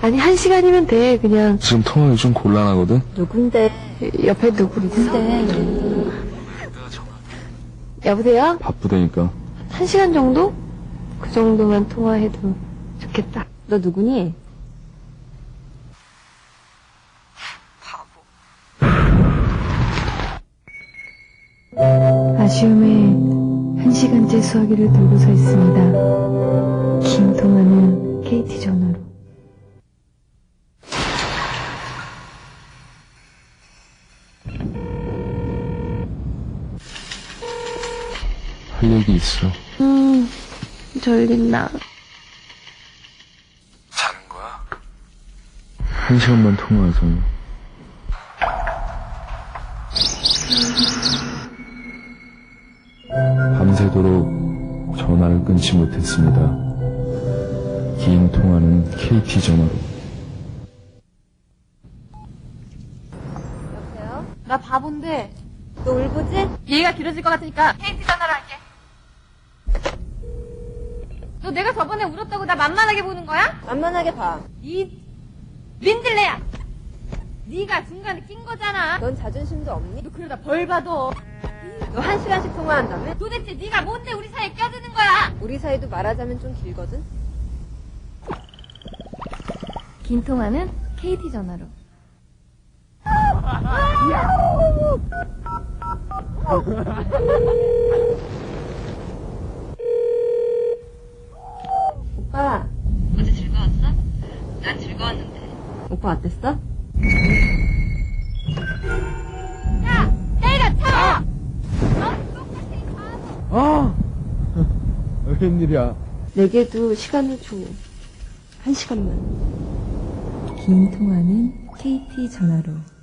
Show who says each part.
Speaker 1: 아니, 1시간이면 돼, 그냥.
Speaker 2: 지금 통화하기 좀 곤란하거든?
Speaker 3: 누군데?
Speaker 1: 옆에 누구 있어?
Speaker 3: 누군데?
Speaker 1: 여보세요?
Speaker 2: 바쁘다니까.
Speaker 1: 1시간 정도? 그 정도만 통화해도 좋겠다.
Speaker 3: 너 누구니?
Speaker 1: 아쉬움에 1시간째 수화기를 들고 서 있습니다. 긴 통화는 KT 전화로.
Speaker 2: 할 얘기 있어.
Speaker 1: 졸린다.
Speaker 2: 자는 거야? 1시간만 통화하자. 밤새도록 전화를 끊지 못했습니다. 긴 통화는 KT 전화로.
Speaker 3: 여보세요?
Speaker 4: 나 바본데
Speaker 3: 너 울보지?
Speaker 4: 얘기가 길어질 것 같으니까 KT 전화로 할게. 너 내가 저번에 울었다고 나 만만하게 보는 거야?
Speaker 3: 만만하게 봐.
Speaker 4: 이 민들레야. 네가 중간에 낀 거잖아.
Speaker 3: 넌 자존심도 없니?
Speaker 4: 너 그러다 벌 받아.
Speaker 3: 너 1시간씩 통화한다며?
Speaker 4: 도대체 네가 뭔데 우리 사이에 껴드는 거야?
Speaker 3: 우리 사이도 말하자면 좀 길거든?
Speaker 4: 긴 통화는 KT 전화로.
Speaker 3: 오빠.
Speaker 4: 어제 즐거웠어? 난 즐거웠는데.
Speaker 3: 오빠 어땠어?
Speaker 4: 야! 때려쳐! 너 똑같이 바보!
Speaker 2: 웬일이야?
Speaker 3: 내게도 시간을 줘. 1시간만. 긴 통화는 KT 전화로.